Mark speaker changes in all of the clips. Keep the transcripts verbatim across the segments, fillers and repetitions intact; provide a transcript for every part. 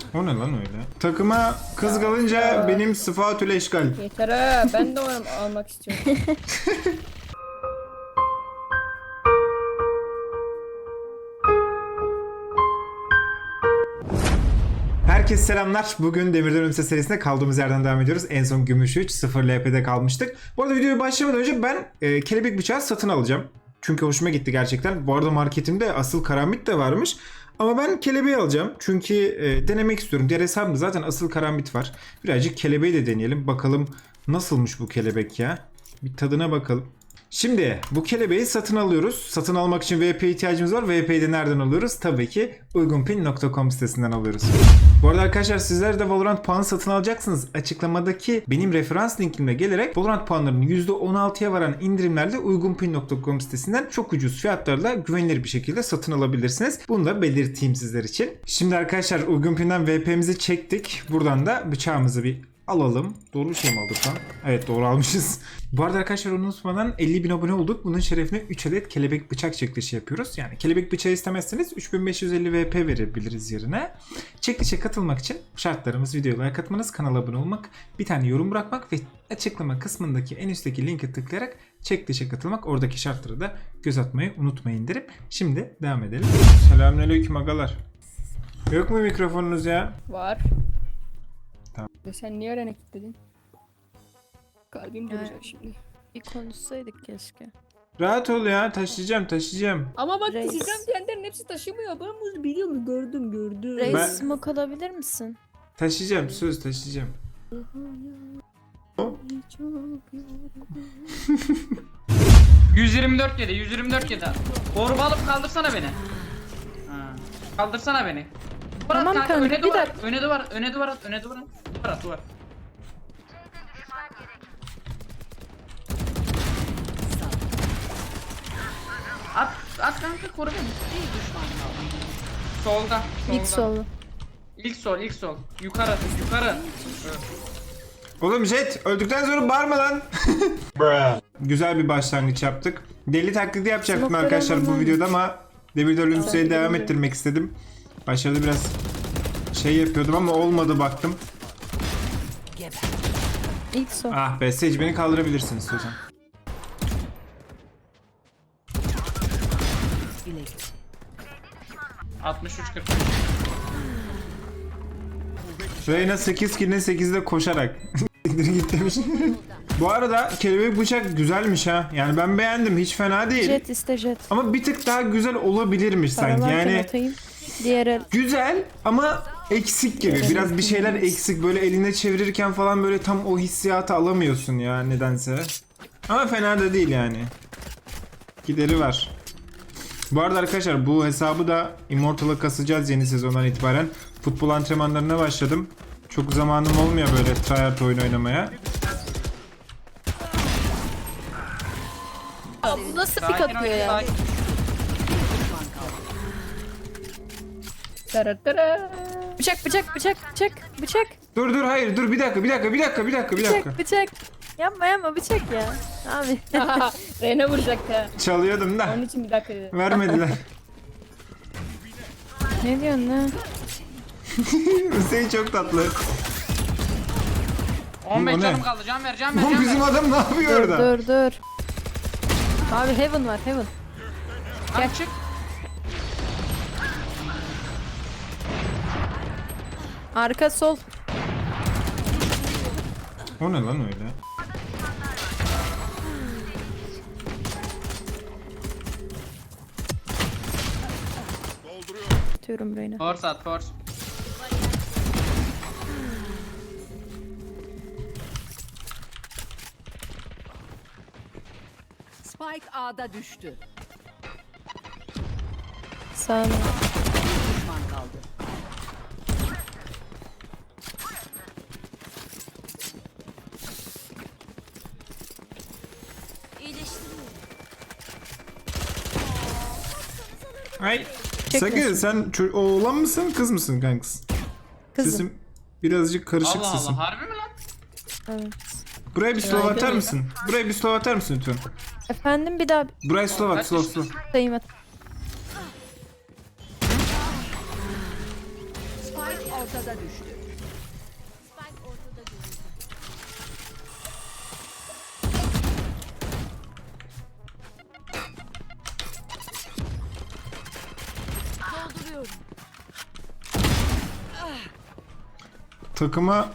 Speaker 1: O ne lan öyle? Takıma kız kalınca benim sıfatül eşkal.
Speaker 2: Yeter ha, ben de onu almak istiyorum.
Speaker 1: Herkese selamlar. Bugün Demirden Ölümse serisinde kaldığımız yerden devam ediyoruz. En son Gümüş üç sıfır L P'de kalmıştık. Bu arada videoya başlamadan önce ben e, kelebek bıçağı satın alacağım. Çünkü hoşuma gitti gerçekten. Bu arada marketimde asıl karambit de varmış. Ama ben kelebeği alacağım. Çünkü e, denemek istiyorum. Diğer hesabımda zaten asıl karambit var. Birazcık kelebeği de deneyelim. Bakalım nasılmış bu kelebek ya. Bir tadına bakalım. Şimdi bu kelebeği satın alıyoruz. Satın almak için V P ihtiyacımız var. V P'yi de nereden alıyoruz? Tabii ki uygunpin nokta com sitesinden alıyoruz. Bu arada arkadaşlar sizler de Valorant puanı satın alacaksınız. Açıklamadaki benim referans linkimle gelerek Valorant puanlarının yüzde on altıya varan indirimlerle uygunpin nokta com sitesinden çok ucuz fiyatlarla güvenilir bir şekilde satın alabilirsiniz. Bunu da belirteyim sizler için. Şimdi arkadaşlar uygunpinden V P'mizi çektik. Buradan da bıçağımızı bir alalım. Doğru bir şey mi aldık lan? Evet, doğru almışız. Bu arada arkadaşlar onu unutmadan elli bin abone olduk. Bunun şerefine üç adet kelebek bıçak çekilişi yapıyoruz. Yani kelebek bıçağı istemezseniz üç bin beş yüz elli V P verebiliriz yerine. Çekilişe katılmak için şartlarımız videoya like atmanız, kanala abone olmak, bir tane yorum bırakmak ve açıklama kısmındaki en üstteki linke tıklayarak çekilişe katılmak. Oradaki şartları da göz atmayı unutmayın derim. Şimdi devam edelim. Selamünaleyküm agalar. Yok mu mikrofonunuz ya?
Speaker 2: Var.
Speaker 1: Tamam.
Speaker 2: Sen niye öğrene kilitledin? Kalbim
Speaker 3: Evet.
Speaker 2: duracak şimdi.
Speaker 3: Bir konuşsaydık keşke.
Speaker 1: Rahat ol ya, taşıyacağım taşıyacağım.
Speaker 2: Ama bak
Speaker 3: Reis.
Speaker 2: taşıyacağım diyenlerin hepsi taşımıyor. Ben bunu biliyorum, gördüm gördüm.
Speaker 3: Reis
Speaker 1: Ben-
Speaker 3: smoke alabilir misin?
Speaker 1: Taşıyacağım, söz taşıyacağım.
Speaker 4: yüz yirmi dört yedi, yüz yirmi dört yedi. Torba alıp kaldırsana beni. Ha. Kaldırsana beni. Duvar at
Speaker 3: Tamam
Speaker 4: kanka,
Speaker 3: kanka,
Speaker 4: öne
Speaker 3: bir
Speaker 4: duvar, at,
Speaker 3: dakika.
Speaker 4: öne duvar, at, öne duvar, at, öne duvar, at. duvar at, duvar. At, at kanka, koru beni. Solda, solda.
Speaker 3: Git solu.
Speaker 4: İlk sol, ilk sol. Yukarı, yukarı.
Speaker 1: Oğlum Jet, öldükten sonra bağırma lan. Güzel bir başlangıç yaptık. Deli taklidi yapacaktım
Speaker 3: Smoke
Speaker 1: arkadaşlar bu
Speaker 3: veremem.
Speaker 1: videoda ama Demirden Ölümse'yi
Speaker 2: Tamam.
Speaker 1: devam ettirmek istedim. Başarılı biraz şey yapıyordum ama olmadı baktım.
Speaker 3: İlk sol.
Speaker 1: Ah be, Sage beni kaldırabilirsiniz hocam.
Speaker 4: altmış üç kırk.
Speaker 1: Reyna sekiz kill'in sekizde koşarak. Git demiş. Bu arada kelebek bıçak güzelmiş ha. Yani ben beğendim, hiç fena değil.
Speaker 3: Jet iste jet.
Speaker 1: Ama bir tık daha güzel olabilirmiş sanki.
Speaker 3: Paralarken
Speaker 1: Yani
Speaker 3: atayım. Diğer el.
Speaker 1: güzel ama eksik gibi. Biraz bir şeyler eksik. Böyle eline çevirirken falan böyle tam o hissiyatı alamıyorsun ya nedense. Ama fena da değil yani. Gideri var. Bu arada arkadaşlar bu hesabı da Immortal'a kasacağız yeni sezondan itibaren. Futbol antrenmanlarına başladım. Çok zamanım olmuyor böyle tryhard oyun oynamaya.
Speaker 3: Aa, bu nasıl pik
Speaker 4: Sakin ol,
Speaker 3: atıyor ya?
Speaker 4: sakin.
Speaker 2: Tara tara.
Speaker 3: Bıçak bıçak bıçak bıçak bıçak
Speaker 1: Dur dur hayır dur bir dakika bir dakika bir dakika bir dakika bir dakika.
Speaker 3: bıçak bıçak. Yapma yapma bıçak ya. Abi.
Speaker 2: Rene vuracak ha.
Speaker 1: Çalıyordum da
Speaker 2: Onun için bir dakika dedim.
Speaker 1: vermediler.
Speaker 3: Ne diyorsun lan?
Speaker 1: Hüseyin çok tatlı.
Speaker 4: on beş
Speaker 1: O ne?
Speaker 4: canım kaldı. Can ver, can ver,
Speaker 1: Oğlum
Speaker 4: can
Speaker 1: bizim
Speaker 4: ver.
Speaker 1: adam ne yapıyor
Speaker 3: Dur
Speaker 1: orada?
Speaker 3: dur dur. Abi heaven var heaven.
Speaker 4: Gel çık.
Speaker 3: Arka sol.
Speaker 1: O ne lan öyle?
Speaker 3: Atıyorum Reyna.
Speaker 4: Force at, force.
Speaker 5: Spike A'da düştü.
Speaker 3: Sağ ol.
Speaker 5: Düşman kaldı.
Speaker 1: Ay.
Speaker 3: Çekmesin.
Speaker 1: Sakın sen ço- oğlan mısın kız mısın kankız?
Speaker 3: Kızım.
Speaker 1: Sesim birazcık karışık
Speaker 4: Allah
Speaker 1: sesim.
Speaker 4: Allah, harbi mi lan?
Speaker 3: Evet.
Speaker 1: Buraya bir slow atar mısın? Buraya bir slow atar mısın lütfen?
Speaker 3: Efendim bir daha
Speaker 1: Buraya slow at,
Speaker 4: Kaç
Speaker 1: slow
Speaker 4: yaşındasın?
Speaker 1: slow.
Speaker 3: sayayım at.
Speaker 5: Spike ortada düştü.
Speaker 1: Takıma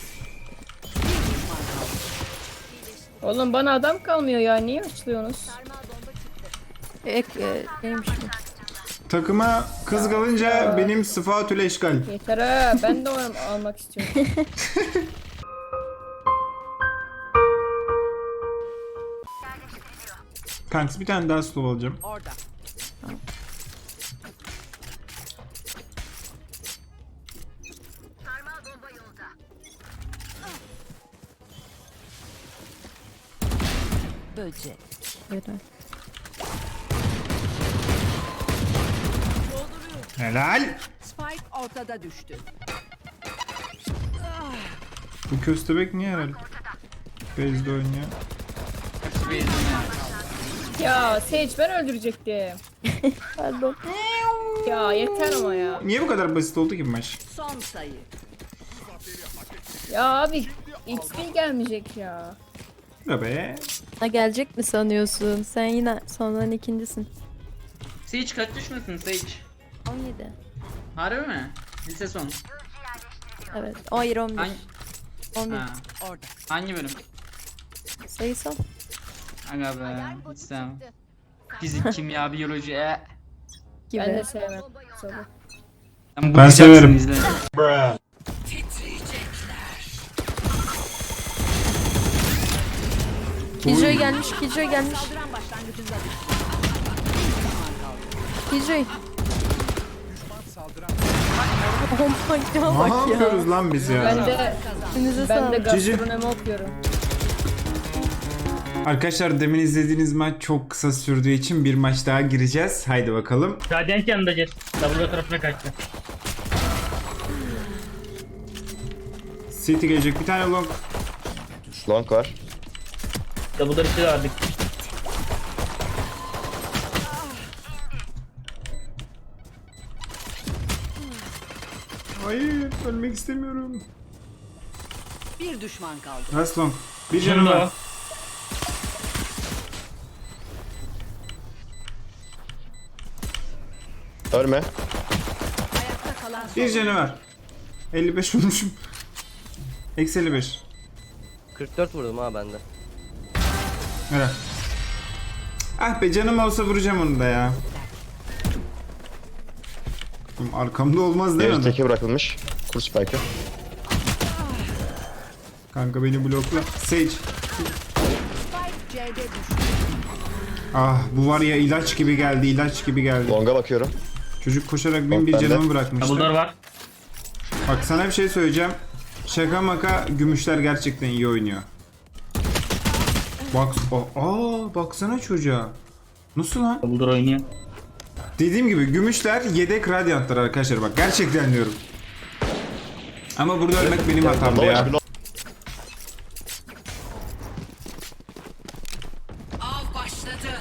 Speaker 2: Oğlum bana adam kalmıyor ya. Niye açlıyorsunuz?
Speaker 3: Ek, e, neymiş bu?
Speaker 1: takıma kız kalınca benim sıfatül eşkal.
Speaker 2: Yeter ha. Ben de onu almak istiyorum.
Speaker 1: Kanks bir tane daha slow alacağım.
Speaker 5: Orada. Böcek.
Speaker 3: Yeter.
Speaker 1: Helal.
Speaker 5: Spike ortada düştü.
Speaker 1: Bu köstebek niye herhalde? Base'de oynuyor.
Speaker 4: Hepsi bir izin
Speaker 2: Ya Sage ben öldürecektim.
Speaker 3: Pardon.
Speaker 2: Ya yeter ama ya.
Speaker 1: Niye bu kadar basit oldu ki bu maç?
Speaker 5: Son sayı.
Speaker 2: Ya abi X P gelmeyecek ya.
Speaker 1: Ya be.
Speaker 3: Ha, gelecek mi sanıyorsun? Sen yine sondan ikincisin.
Speaker 4: Sage kaç düşmesin Sage?
Speaker 3: on yedi.
Speaker 4: Harbi mi? Lise son.
Speaker 3: Evet. Hayır on bir.
Speaker 4: Hangi?
Speaker 3: on bir.
Speaker 4: Ha.
Speaker 5: Orada.
Speaker 4: Hangi bölüm?
Speaker 3: Sayısal.
Speaker 4: Aga be. Hiç sevmem. Fizik, kimya, biyoloji. E.
Speaker 3: Gibi.
Speaker 2: Ben de sevmem. Soru.
Speaker 4: Sen bu
Speaker 1: Ben
Speaker 4: güzelsin,
Speaker 1: severim.
Speaker 4: izle.
Speaker 3: Killjoy gelmiş. Killjoy gelmiş.
Speaker 5: Saldıran başlangıcında düştü.
Speaker 3: Killjoy. Oh my god
Speaker 1: Ne
Speaker 3: bak ya.
Speaker 1: yapıyoruz lan biz ya?
Speaker 2: Ben de
Speaker 3: Üstünüze
Speaker 2: ben de
Speaker 3: sağlık.
Speaker 1: Cici.
Speaker 2: gastronomi okuyorum.
Speaker 1: Arkadaşlar demin izlediğiniz maç çok kısa sürdüğü için bir maç daha gireceğiz. Haydi bakalım.
Speaker 6: Radiant yanında Jet. W tarafına kaçtı.
Speaker 1: City gelecek bir tane long.
Speaker 7: Long var.
Speaker 6: W'ları içeri aldık.
Speaker 1: Hayır ölmek istemiyorum.
Speaker 5: Bir düşman kaldı.
Speaker 1: Last long. Bir canım var.
Speaker 7: Ölme.
Speaker 5: Ayakta kalan son.
Speaker 1: Bir canı var. elli beş vurmuşum. Eksi elli beş.
Speaker 8: kırk dört vurdum ha bende.
Speaker 1: Helal. Ah be canım olsa vuracağım onu da ya. Oğlum arkamda olmaz değil
Speaker 7: Geri
Speaker 1: mi?
Speaker 7: teke bırakılmış. Kur spike'ı.
Speaker 1: Kanka beni blokla. Sage.
Speaker 5: Spike C'de düştü.
Speaker 1: Ah bu var ya ilaç gibi geldi ilaç gibi geldi.
Speaker 7: Long'a bakıyorum.
Speaker 1: Çocuk koşarak benim bir
Speaker 7: bende.
Speaker 1: canımı bırakmıştı.
Speaker 6: W'lar var.
Speaker 1: Bak sana bir şey söyleyeceğim. Şaka maka gümüşler gerçekten iyi oynuyor. Bak, aa baksana çocuğa. Nasıl lan?
Speaker 6: W'lar oynuyor.
Speaker 1: Dediğim gibi gümüşler yedek radyantlar arkadaşlar bak gerçekten diyorum. Ama burada ölmek benim hatamdı ya.
Speaker 5: Av başladı.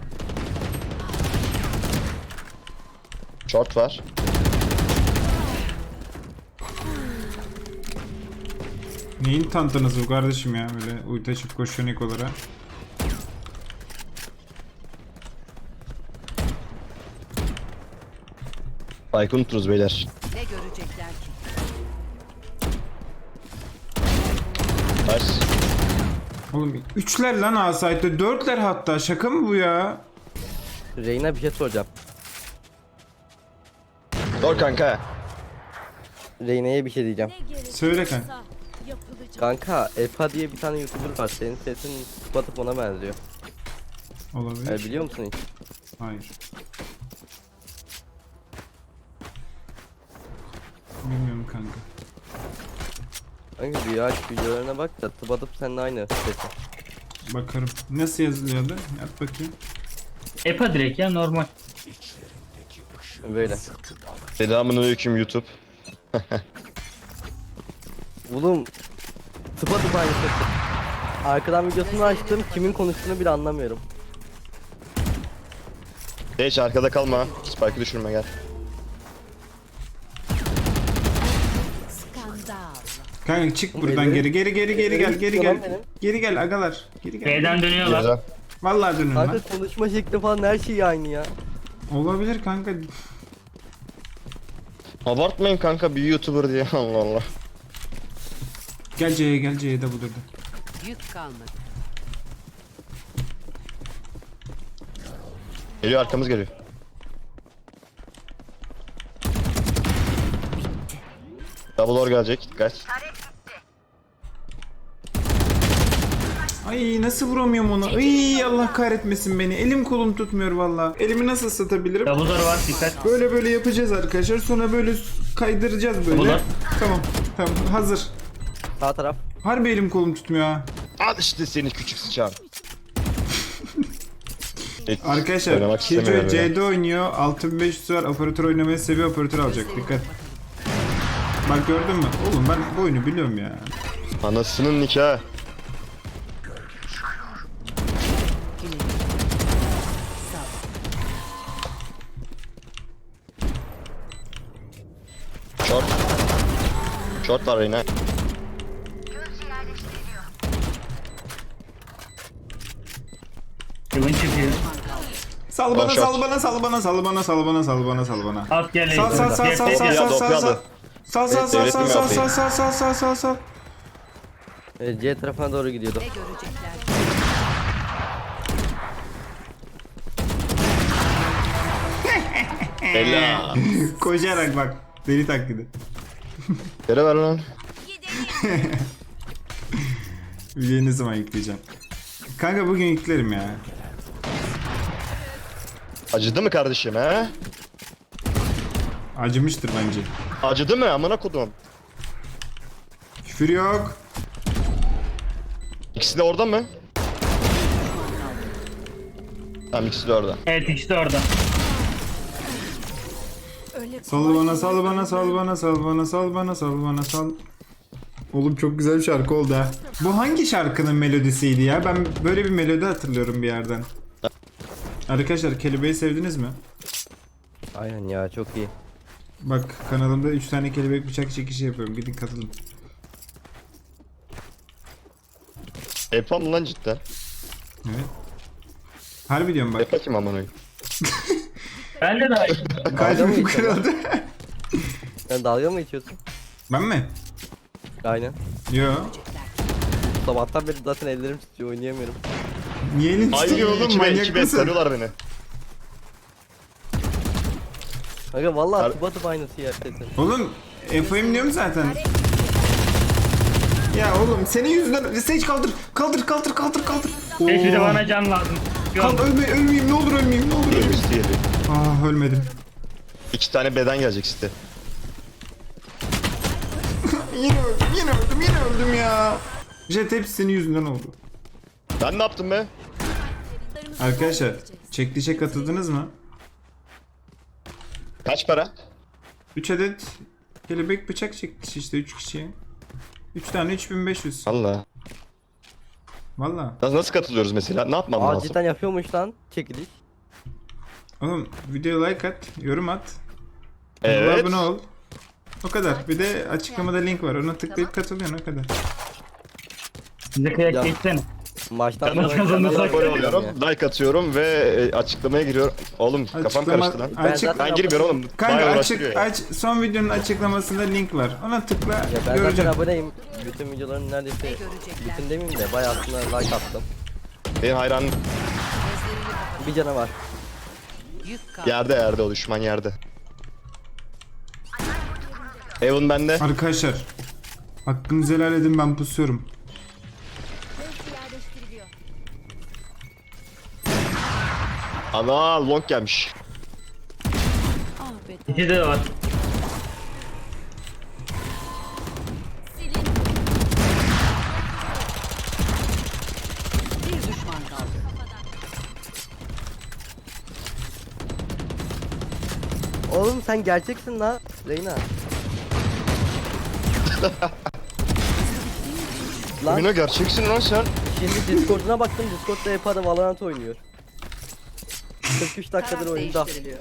Speaker 7: Short var.
Speaker 1: Neyin tantanızı bu kardeşim ya böyle ulti açıp koşuyor Nikolara.
Speaker 7: Spike'ı unuturuz beyler.
Speaker 5: Ne görecekler ki?
Speaker 7: Nice.
Speaker 1: Oğlum üçler lan A-Site'de dörtler hatta şaka mı bu ya?
Speaker 8: Reyna bir şey soracağım.
Speaker 7: Dur kanka.
Speaker 8: Reyna'ya bir şey diyeceğim.
Speaker 1: Söyle kanka.
Speaker 8: Kanka Epa diye bir tane YouTuber var. Senin sesin batıp ona benziyor.
Speaker 1: Olabilir.
Speaker 8: Yani biliyor musun hiç?
Speaker 1: Hayır. Bilmiyorum kanka.
Speaker 8: Kanka bir aç videolarına bak da tıpatıp seninle aynı sesi.
Speaker 1: Bakarım. Nasıl yazılıyordu? Yap bakayım.
Speaker 6: Epa direkt ya normal.
Speaker 8: Böyle.
Speaker 7: Selamünaleyküm YouTube.
Speaker 8: Oğlum tıpatıp aynı sesi. Arkadan videosunu açtım. Kimin konuştuğunu bile anlamıyorum.
Speaker 7: Hiç arkada kalma. Spike'ı düşürme gel.
Speaker 1: Kanka çık buradan
Speaker 8: elleri-
Speaker 1: geri geri geri geri gel geri
Speaker 8: elleri
Speaker 1: gel.
Speaker 8: tutuyor lan
Speaker 1: Geri gel agalar. Geri gel.
Speaker 6: B'den dönüyorlar.
Speaker 7: Güzel.
Speaker 1: Vallahi dönün lan.
Speaker 8: Kanka konuşma şekli falan her şey aynı ya.
Speaker 1: Olabilir kanka.
Speaker 7: Abartmayın kanka bir YouTuber diye Allah Allah.
Speaker 1: Gel C'ye gel C'ye de bulurdu.
Speaker 5: Yük kalmadı.
Speaker 7: Geliyor arkamız geliyor. Double door gelecek dikkat.
Speaker 1: Ay nasıl vuramıyorum onu? Ay Allah kahretmesin beni. Elim kolum tutmuyor valla. Elimi nasıl ısıtabilirim?
Speaker 6: Double door var dikkat.
Speaker 1: Böyle böyle yapacağız arkadaşlar. Sonra böyle kaydıracağız böyle.
Speaker 6: Ulan.
Speaker 1: Tamam. Tamam hazır.
Speaker 8: Sağ taraf.
Speaker 1: Harbi elim kolum tutmuyor ha.
Speaker 7: Al işte seni küçük sıçan. Hiç
Speaker 1: Arkadaşlar
Speaker 7: oynamak istemiyorum
Speaker 1: Killjoy
Speaker 7: ya.
Speaker 1: C'de oynuyor. altı bin beş yüz var. Operatör oynamayı seviyor. Operatör alacak. Dikkat. Bak gördün mü? Oğlum ben bu oyunu biliyorum ya.
Speaker 7: Anasının nikahı. Short. Short var yine.
Speaker 6: Yılın çıkıyor.
Speaker 1: Sal bana,
Speaker 7: Boş
Speaker 1: sal
Speaker 7: at.
Speaker 1: bana, sal bana, sal bana, sal bana, sal bana, sal bana.
Speaker 6: At gel.
Speaker 1: Sal sal sal
Speaker 6: Gel,
Speaker 1: sal
Speaker 6: gel,
Speaker 1: sal
Speaker 6: gel.
Speaker 1: sal
Speaker 7: Doku
Speaker 1: sal
Speaker 7: aldı.
Speaker 1: sal. Sal sal
Speaker 7: Evet,
Speaker 1: sal
Speaker 7: devletim
Speaker 1: sal sal
Speaker 7: yapayım.
Speaker 1: sal sal sal sal sal.
Speaker 8: E, C tarafına doğru gidiyordu.
Speaker 5: Ne görecekler?
Speaker 7: Bella.
Speaker 1: Koşarak bak. Deli taklidi.
Speaker 7: Yere ver lan.
Speaker 1: Videoyu ne zaman yükleyeceğim? Kanka bugün yüklerim ya.
Speaker 7: Acıdı mı kardeşim he?
Speaker 1: Acımıştır bence.
Speaker 7: Acıdı mı amına kodum?
Speaker 1: Küfür yok.
Speaker 7: İkisi de orada mı? Tamam ikisi de orada.
Speaker 6: Evet ikisi de orada.
Speaker 1: Sal bana, sal bana, sal bana, sal bana, sal bana, sal bana, sal. Oğlum çok güzel bir şarkı oldu ha. Bu hangi şarkının melodisiydi ya? Ben böyle bir melodi hatırlıyorum bir yerden. Arkadaşlar kelebeği sevdiniz mi?
Speaker 8: Aynen ya çok iyi.
Speaker 1: Bak kanalımda üç tane kelebek bıçak çekişi yapıyorum. Gidin katılın.
Speaker 7: Yapam mı lan cidden?
Speaker 1: Evet. Harbi diyorum bak.
Speaker 7: Yap bakayım amına koyayım.
Speaker 6: Ben de daha iyi.
Speaker 8: Dalga mı
Speaker 1: Kalbim
Speaker 8: geçiyorsun lan?
Speaker 1: kırıldı.
Speaker 8: Sen dalga mı geçiyorsun?
Speaker 1: Ben mi?
Speaker 8: Aynen.
Speaker 1: Yo.
Speaker 8: Sabahtan beri zaten ellerim titriyor oynayamıyorum.
Speaker 1: Niye elin
Speaker 7: Ay
Speaker 1: titriyor oğlum
Speaker 7: iki be
Speaker 1: manyak
Speaker 7: iki be
Speaker 1: mısın?
Speaker 7: sarıyorlar beni.
Speaker 8: Kanka vallahi
Speaker 7: Har-
Speaker 8: tıpa tıpa aynısı gerçekten.
Speaker 1: Oğlum F O'yum diyorum zaten. Ya oğlum senin yüzünden Sage kaldır kaldır kaldır kaldır kaldır.
Speaker 6: Hiç bir de
Speaker 1: Oo.
Speaker 6: bana can lazım.
Speaker 1: Kalk
Speaker 6: Yok.
Speaker 1: ölme, ölmeyeyim ne olur ölmeyeyim ne olur ölmeyeyim.
Speaker 7: Diğeri diğeri.
Speaker 1: Ah ölmedim.
Speaker 7: İki tane beden gelecek işte.
Speaker 1: Yine öldüm yine öldüm yine öldüm ya. Jet hepsi senin yüzünden oldu.
Speaker 7: Ben ne yaptım be?
Speaker 1: Arkadaşlar çekilişe katıldınız mı?
Speaker 7: Kaç para?
Speaker 1: üç adet kelebek bıçak çekilişi işte üç kişiye. üç tane üç bin beş yüz.
Speaker 7: Allah.
Speaker 1: Valla.
Speaker 7: Nasıl, nasıl katılıyoruz mesela? Ne yapmam
Speaker 8: Aa
Speaker 7: lazım?
Speaker 8: cidden yapıyormuş lan çekiliş.
Speaker 1: Oğlum videoya like at, yorum at. Kanala
Speaker 7: Evet.
Speaker 1: abone ol. O kadar. Bir de açıklamada link var. Ona tıklayıp katılıyorsun o kadar.
Speaker 6: Bize kıyak
Speaker 8: Ya.
Speaker 6: geçsene.
Speaker 8: Maçtan
Speaker 6: Tamam,
Speaker 8: sonra
Speaker 6: kazanırsak
Speaker 8: kanala
Speaker 7: Abone
Speaker 8: bakıyorum
Speaker 7: oluyorum,
Speaker 8: ya.
Speaker 7: like atıyorum ve e, açıklamaya giriyorum. Oğlum kafam
Speaker 1: Açıklama-
Speaker 7: karıştı lan.
Speaker 8: Ben
Speaker 1: Açık,
Speaker 8: zaten-
Speaker 7: Ben girmiyorum oğlum.
Speaker 1: kanka
Speaker 7: Bayağı
Speaker 1: açık,
Speaker 7: uğraştırıyor ya.
Speaker 1: aç, son videonun açıklamasında link var. Ona tıkla
Speaker 8: Ya ben zaten
Speaker 1: göreceksin.
Speaker 8: aboneyim. Bütün videoların neredeyse bütün demeyeyim de bayağı aslında like attım.
Speaker 7: Benim hayranım
Speaker 8: Bir canavar.
Speaker 5: Yük kalmadı.
Speaker 7: yerde yerde o düşman yerde. Evan bende.
Speaker 1: Arkadaşlar hakkınızı helal edin ben pusuyorum.
Speaker 7: Ana long gelmiş.
Speaker 5: Ah be.
Speaker 6: İkisi de var.
Speaker 5: Bir düşman kaldı.
Speaker 8: Oğlum sen gerçeksin la Reyna. Lan
Speaker 7: Oyuna gerçeksin lan sen.
Speaker 8: şimdi Discord'una baktım, Discord'da Epa'da Valorant oynuyor. kırk üç dakikadır
Speaker 5: Taraf
Speaker 8: oyunda.
Speaker 5: değiştiriliyor.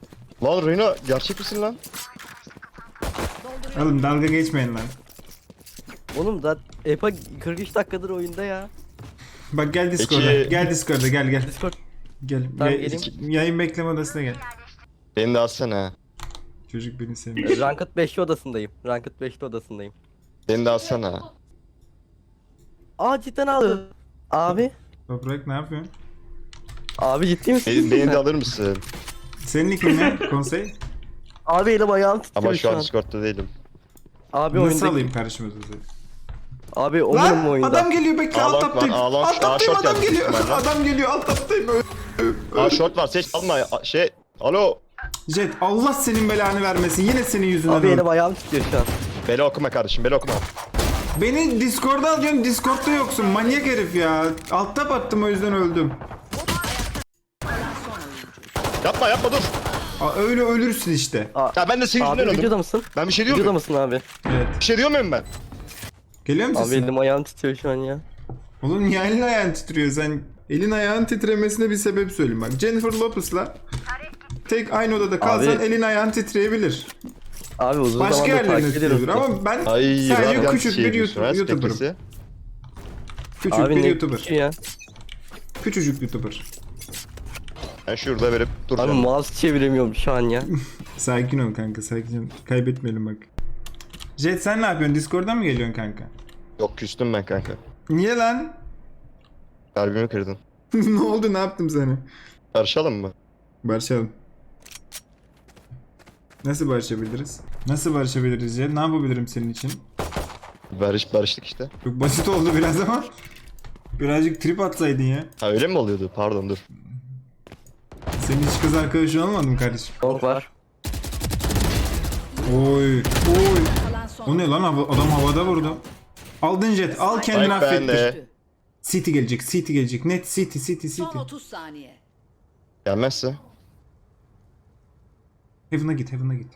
Speaker 7: Lan Reyna gerçek misin lan?
Speaker 1: Oğlum dalga geçmeyin lan.
Speaker 8: Oğlum da Epa kırk üç dakikadır oyunda ya.
Speaker 1: Bak gel Discord'a.
Speaker 7: Peki-
Speaker 1: Gel Discord'a gel gel.
Speaker 8: Discord.
Speaker 1: Gel.
Speaker 8: Tamam,
Speaker 1: Ya-
Speaker 8: geleyim.
Speaker 1: yayın bekleme odasına gel.
Speaker 7: Beni de alsana.
Speaker 1: Çocuk beni sevmiyor.
Speaker 8: Ranked beşli odasındayım. Ranked beşli odasındayım.
Speaker 7: Beni de alsana.
Speaker 8: Aa cidden aldı. Abi.
Speaker 1: Toprak ne yapıyorsun?
Speaker 8: Abi ciddi misin?
Speaker 7: Beni, beni de alır mısın?
Speaker 1: Senin nickin ne? Konsey?
Speaker 8: Abi elim ayağım titriyor
Speaker 7: Ama
Speaker 8: şu
Speaker 7: şu an
Speaker 8: an.
Speaker 7: Discord'da değilim.
Speaker 8: Abi
Speaker 1: Nasıl
Speaker 8: oyunda.
Speaker 1: alayım karşıma sizi?
Speaker 8: Abi oyunum
Speaker 1: Lan
Speaker 8: oyunda.
Speaker 1: adam geliyor bekle alt
Speaker 7: Ağlan-
Speaker 1: taptayım.
Speaker 7: ağlan-
Speaker 1: Alt taptayım
Speaker 7: Aa,
Speaker 1: adam
Speaker 7: short
Speaker 1: geliyor.
Speaker 7: geldi.
Speaker 1: Adam geliyor alt taptayım.
Speaker 7: Aa short var, seç alma. A- Şey, alo.
Speaker 1: Jet Allah senin belanı vermesin. Yine senin yüzünden
Speaker 8: Abi
Speaker 1: öldüm.
Speaker 8: elim ayağım titriyor şu an.
Speaker 7: Beni okuma kardeşim, beni okuma.
Speaker 1: Beni Discord'a alıyorsun, Discord'da yoksun. Manyak herif ya. Alt tap attım o yüzden öldüm.
Speaker 7: Yapma yapma dur.
Speaker 1: Aa, öyle ölürsün işte.
Speaker 7: Ya ben de senin
Speaker 8: Abi
Speaker 7: yüzünden
Speaker 8: videoda
Speaker 7: öldüm.
Speaker 8: mısın?
Speaker 7: Ben bir şey diyor
Speaker 8: Videoda
Speaker 7: muyum?
Speaker 8: mısın abi?
Speaker 1: Evet.
Speaker 7: Bir şey diyor muyum ben?
Speaker 1: Geliyor musun
Speaker 8: Abi
Speaker 1: sen?
Speaker 8: elim ayağım titriyor şu an ya.
Speaker 1: Oğlum niye elin ayağın titriyor? Sen elin ayağın titremesine bir sebep söyleyeyim bak. Jennifer Lopez'la tek aynı odada kalsan
Speaker 8: Abi-
Speaker 1: elin ayağın titreyebilir.
Speaker 8: Abi uzun
Speaker 1: Başka
Speaker 8: zamandır
Speaker 1: yerlerine
Speaker 8: takip ediyorum.
Speaker 1: titriyordur ama ben
Speaker 7: Ay
Speaker 1: sadece
Speaker 7: radyant
Speaker 1: küçük
Speaker 7: şey
Speaker 1: bir
Speaker 7: diyorsun,
Speaker 1: YouTube,
Speaker 7: ha,
Speaker 1: YouTuber'ım.
Speaker 7: spektrisi.
Speaker 1: Küçük
Speaker 8: Abi
Speaker 1: bir
Speaker 8: ne
Speaker 1: YouTuber.
Speaker 8: küçüğü ya.
Speaker 1: Küçücük YouTuber.
Speaker 7: Ben şurada verip
Speaker 8: Abi
Speaker 7: duracağım.
Speaker 8: mouse çeviremiyorum şu an ya.
Speaker 1: Sakin ol kanka sakin ol. Kaybetmeyelim bak. Jet sen ne yapıyorsun? Discord'dan mı geliyorsun kanka?
Speaker 7: Yok küstüm ben kanka.
Speaker 1: Niye lan?
Speaker 7: Kalbimi kırdın.
Speaker 1: Ne oldu? Ne yaptım sana?
Speaker 7: Barışalım mı?
Speaker 1: Barışalım. Nasıl barışabiliriz? Nasıl barışabiliriz Jet? Ne yapabilirim senin için?
Speaker 7: Barış, barıştık işte.
Speaker 1: Çok basit oldu biraz ama. Birazcık trip atsaydın ya.
Speaker 7: Ha öyle mi oluyordu? Pardon dur.
Speaker 1: Senin hiç kız arkadaşın olmadı mı kardeşim?
Speaker 8: Long var.
Speaker 1: Oy. Oy.
Speaker 5: Kalan son.
Speaker 1: O ne lan? Hava- Adam havada vurdu. Aldın Jet. Al kendini
Speaker 7: Spike
Speaker 1: affettir.
Speaker 7: bende.
Speaker 1: City gelecek. City gelecek. Net City City
Speaker 5: Son
Speaker 1: City.
Speaker 5: otuz saniye.
Speaker 7: Gelmezse.
Speaker 1: Heaven'a git. Heaven'a git.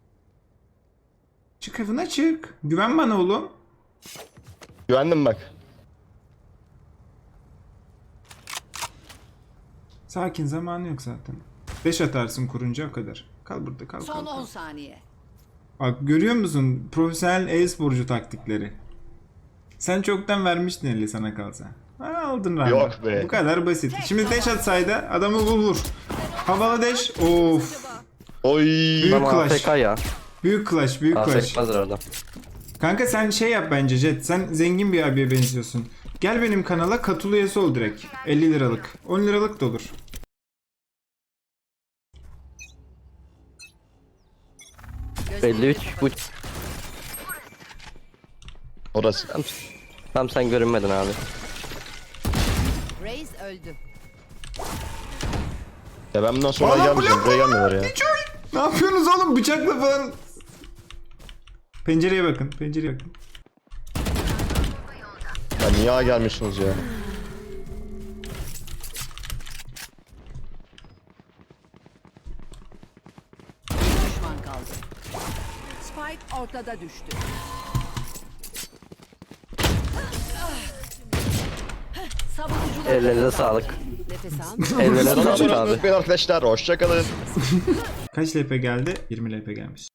Speaker 1: Çık Heaven'a çık. Güven bana oğlum.
Speaker 7: Güvendim bak.
Speaker 1: Sakin zamanı yok zaten. Beş atarsın kurunca o kadar. Kal burada kal kal.
Speaker 5: Son
Speaker 1: kal.
Speaker 5: on saniye.
Speaker 1: Bak görüyor musun? Profesyonel e-sporcu taktikleri. Sen çoktan vermiştin eli sana kalsa. Ha, aldın randı.
Speaker 7: Yok be.
Speaker 1: Bu kadar basit. Şimdi dash atsaydı adamı vur vur. Havalı dash. Of.
Speaker 7: Oy.
Speaker 1: Büyük
Speaker 8: Ama
Speaker 1: clash.
Speaker 8: A F K ya.
Speaker 1: Büyük clash. Büyük
Speaker 8: A F
Speaker 1: clash.
Speaker 8: K'dır orada.
Speaker 1: Kanka sen şey yap bence Jet. Sen zengin bir abiye benziyorsun. Gel benim kanala katıl üyesi ol direkt. elli liralık. on liralık da olur.
Speaker 8: elli üç bu.
Speaker 7: Orası.
Speaker 8: Tam, tam sen görünmedin abi.
Speaker 5: Reis öldü.
Speaker 7: Ya ben bundan sonra
Speaker 1: Oğlum,
Speaker 7: gelmeyeceğim.
Speaker 1: blok
Speaker 7: Buraya
Speaker 1: var,
Speaker 7: gelmiyorlar ya.
Speaker 1: Ne yapıyorsunuz oğlum bıçakla falan? Pencereye bakın. Pencereye bakın.
Speaker 7: Ya niye ağa gelmiyorsunuz ya?
Speaker 5: Bir düşman kaldı. Spike ortada düştü. Savunucular
Speaker 8: Ellerinize sağlık.
Speaker 5: nefes al.
Speaker 8: Ellerine
Speaker 7: Sonra
Speaker 8: sağlık
Speaker 7: sonra
Speaker 8: abi.
Speaker 7: unutmayın arkadaşlar. Hoşçakalın.
Speaker 1: Kaç L P geldi? yirmi L P gelmiş.